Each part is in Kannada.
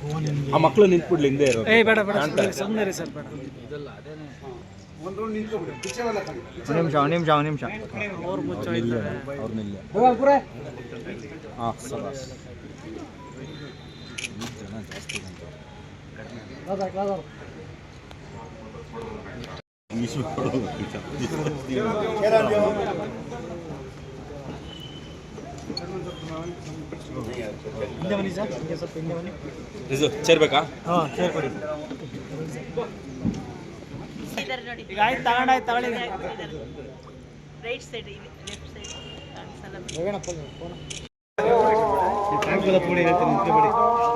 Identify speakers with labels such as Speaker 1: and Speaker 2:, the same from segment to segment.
Speaker 1: ಆ ಮಕ್ಕಳು ನಿಂತ್ಬಿಡ್ಲಿ ಹಿಂದೆ ಇರೋ
Speaker 2: ಬೇಡ ಬೇಡ ಸುಮ್ಮನೆ ರೀ ಸರ್ ಬೇಡ
Speaker 3: ನಿಮಿಷ
Speaker 2: ಅವ್ರು ಮುಚ್ಚೋಯ್ತಾರೆ
Speaker 1: ಹಾಂ ಸಬಾಸ್ ಜನ ಜಾಸ್ತಿ
Speaker 2: ಹಿಂದೆ ಬನ್ನಿ ಸರ್ ಹಿಂಗೆ ಸ್ವಲ್ಪ ಹಿಂದೆ ಬನ್ನಿ
Speaker 1: ಇದು ಸೇರ್ಬೇಕಾ
Speaker 2: ಹಾಂ ಸೇರ್ ಕೊಡಿ ಈಗ ಆಯ್ತು ತಗೊಳ್ಳಿ
Speaker 4: ರೈಟ್ ಸೈಡ್ ಇದೆ ಲೆಫ್ಟ್ ಸೈಡ್ ಕಾಣಿಸಲ್ಲ
Speaker 2: ಟ್ಯಾಂಕಲ್ಲ ಪುಡಿ ಹೇಳ್ತೀನಿ ನಿಂತ್ಕೊಬೇಡಿ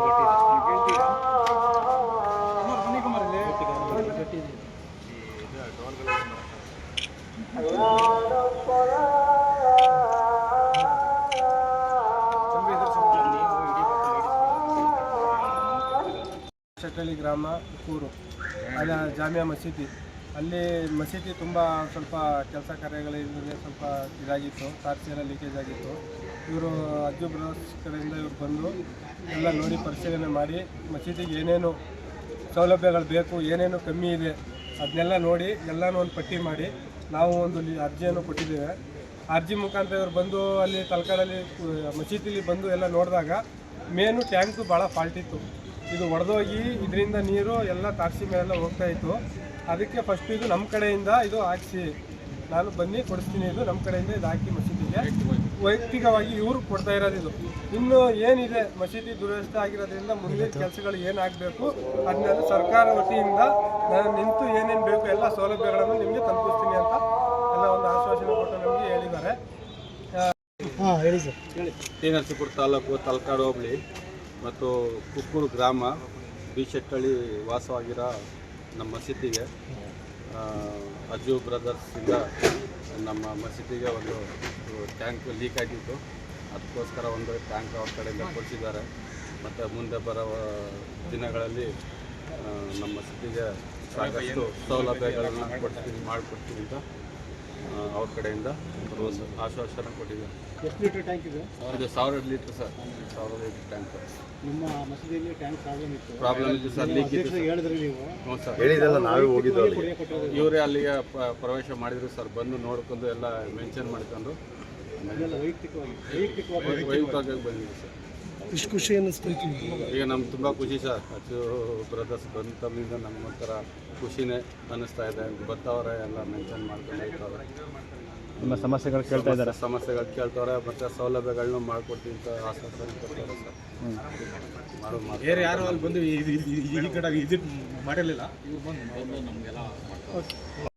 Speaker 5: ಶೆಟ್ಟಳ್ಳಿ ಗ್ರಾಮ ಊರು ಅಲ್ಲಿ ಜಾಮಿಯಾ ಮಸೀದಿ ಅಲ್ಲಿ ಮಸೀದಿ ತುಂಬ ಸ್ವಲ್ಪ ಕೆಲಸ ಕಾರ್ಯಗಳಿಂದ ಸ್ವಲ್ಪ ಇದಾಗಿತ್ತು ತಾರ್ಸಿ ಎಲ್ಲ ಲೀಕೇಜ್ ಆಗಿತ್ತು. ಇವರು ಅಜ್ಜು ಬ್ರದರ್ಸ್ ಕಡೆಯಿಂದ ಇವ್ರು ಬಂದು ಎಲ್ಲ ನೋಡಿ ಪರಿಶೀಲನೆ ಮಾಡಿ ಮಸೀದಿಗೆ ಏನೇನು ಸೌಲಭ್ಯಗಳು ಬೇಕು, ಏನೇನು ಕಮ್ಮಿ ಇದೆ ಅದನ್ನೆಲ್ಲ ನೋಡಿ ಎಲ್ಲನೂ ಒಂದು ಪಟ್ಟಿ ಮಾಡಿ ನಾವು ಒಂದು ಅರ್ಜಿಯನ್ನು ಕೊಟ್ಟಿದ್ದೇವೆ. ಅರ್ಜಿ ಮುಖಾಂತರ ಇವರು ಬಂದು ಅಲ್ಲಿ ತಲಕಾಡಲ್ಲಿ ಮಸೀದಿಲಿ ಬಂದು ಎಲ್ಲ ನೋಡಿದಾಗ ಮೇನು ಟ್ಯಾಂಕು ಭಾಳ ಫಾಲ್ಟ್ ಇತ್ತು. ಇದು ಒಡೆದೋಗಿ ಇದರಿಂದ ನೀರು ಎಲ್ಲ ತಾರಸಿ ಮೇಲೆಲ್ಲ ಹೋಗ್ತಾ ಇತ್ತು. ಅದಕ್ಕೆ ಫಸ್ಟ್ ಇದು ನಮ್ಮ ಕಡೆಯಿಂದ ಇದು ಹಾಕಿಸಿ ನಾನು ಬನ್ನಿ ಕೊಡಿಸ್ತೀನಿ, ಇದು ನಮ್ಮ ಕಡೆಯಿಂದ ಇದು ಹಾಕಿ ಮಸೀದಿಗೆ ವೈಯಕ್ತಿಕವಾಗಿ ಇವರು ಕೊಡ್ತಾ ಇರೋದು. ಇದು ಇನ್ನು ಏನಿದೆ ಮಸೀದಿ ದುರವಸ್ಥೆ ಆಗಿರೋದ್ರಿಂದ ಮುಂದಿನ ಕೆಲಸಗಳು ಏನಾಗಬೇಕು ಅದನ್ನೆಲ್ಲ ಸರ್ಕಾರ ವತಿಯಿಂದ ನಾನು ನಿಂತು ಏನೇನು ಬೇಕು ಎಲ್ಲ ಸೌಲಭ್ಯಗಳನ್ನು ನಿಮಗೆ ತಲುಪಿಸ್ತೀನಿ ಅಂತ ಎಲ್ಲ ಒಂದು ಆಶ್ವಾಸನೆ ಕೊಟ್ಟು ನಮಗೆ ಹೇಳಿದ್ದಾರೆ.
Speaker 2: ಹಾಂ ಹೇಳಿ ಸರ್ ಹೇಳಿ.
Speaker 6: ಟಿ ನರಸೀಪುರ ತಾಲೂಕು ತಲಕಾಡು ಹೋಬಳಿ ಮತ್ತು ಕುಕ್ಕೂರು ಗ್ರಾಮ ಬಿ ಶೆಟ್ಟಳ್ಳಿ ವಾಸವಾಗಿರೋ ನಮ್ಮ ಮಸೀದಿಗೆ ಅಜ್ಜು ಬ್ರದರ್ಸಿಂದ ನಮ್ಮ ಮಸೀದಿಗೆ ಒಂದು ಟ್ಯಾಂಕ್ ಲೀಕ್ ಆಗಿತ್ತು. ಅದಕ್ಕೋಸ್ಕರ ಒಂದು ಟ್ಯಾಂಕ್ ಅವ್ರ ಕಡೆಯಿಂದ ಕೊಡಿಸಿದ್ದಾರೆ. ಮತ್ತು ಮುಂದೆ ಬರೋ ದಿನಗಳಲ್ಲಿ ನಮ್ಮ ಮಸೀದಿಗೆ ಸಾಕಷ್ಟು ಸೌಲಭ್ಯಗಳನ್ನು ಮಾಡಿಕೊಡ್ತೀನಿ ಅಂತ ಅವ್ರ ಕಡೆಯಿಂದ ಆಶ್ವಾಸನೆ ಕೊಟ್ಟಿದ್ದಾರೆ.
Speaker 2: ಎಷ್ಟು ಲೀಟರ್ ಟ್ಯಾಂಕ್ ಇದೆ?
Speaker 6: ಇದು 1000 ಲೀಟ್ರ್ ಸರ್, 1000 ಲೀಟ್ರ್ ಟ್ಯಾಂಕ್.
Speaker 2: ನಿಮ್ಮ ಮಸೀದಿಯಲ್ಲಿ ಟ್ಯಾಂಕ್
Speaker 6: ಪ್ರಾಬ್ಲಮ್ ಇತ್ತು ಸರ್, ಲೀಕ್ ಇತ್ತು.
Speaker 2: ಹೇಳಿದ್ರಿ ನೀವು?
Speaker 6: ಹ್ಞೂ ಸರ್,
Speaker 1: ಹೇಳಿದೆಲ್ಲ ನಾವೇ ಹೋಗಿದ್ದು
Speaker 6: ಇವರೇ ಅಲ್ಲಿಗೆ ಪ್ರವೇಶ ಮಾಡಿದ್ರು ಸರ್. ಬಂದು ನೋಡ್ಕೊಂಡು ಎಲ್ಲ ಮೆನ್ಷನ್ ಮಾಡ್ಕೊಂಡು ವೈಯಕ್ತಿಕವಾಗಿ ಬಂದಿದೆ ಸರ್.
Speaker 2: ಇಷ್ಟು ಖುಷಿ ಅನ್ನಿಸ್ತೈತಿ
Speaker 6: ಈಗ ನಮ್ಗೆ ತುಂಬ ಖುಷಿ ಸರ್. ಅಚ್ಚು ಬ್ರದರ್ಸ್ ಬಂದ ತಮ್ಮಿಂದ ನಮ್ಗೆ ಒಂಥರ ಖುಷಿನೇ ಅನ್ನಿಸ್ತಾ ಇದೆ. ಬರ್ತಾವ್ರೆ ಎಲ್ಲ ಮೆನ್ಷನ್ ಮಾಡ್ಕೊಂಡು ಹೋಗ್ತಾವ್ರೆ.
Speaker 3: ನಿಮ್ಮ ಸಮಸ್ಯೆಗಳು ಕೇಳ್ತಾ ಇದ್ದಾರೆ,
Speaker 6: ಸಮಸ್ಯೆಗಳು ಕೇಳ್ತವ್ರೆ ಮತ್ತು ಸೌಲಭ್ಯಗಳನ್ನೂ ಮಾಡಿಕೊಡ್ತೀನಿ ಅಂತ ಆಶ್ವಾಸನೆ ಕೊಡ್ತಾರೆ ಸರ್.
Speaker 1: ಬೇರೆ ಯಾರು ಅಲ್ಲಿ ಬಂದು ಈ ಕಡೆ ವಿಸಿಟ್ ಮಾಡಿರಲಿಲ್ಲ, ಇವ್ರು ಬಂದು ನಮಗೆಲ್ಲ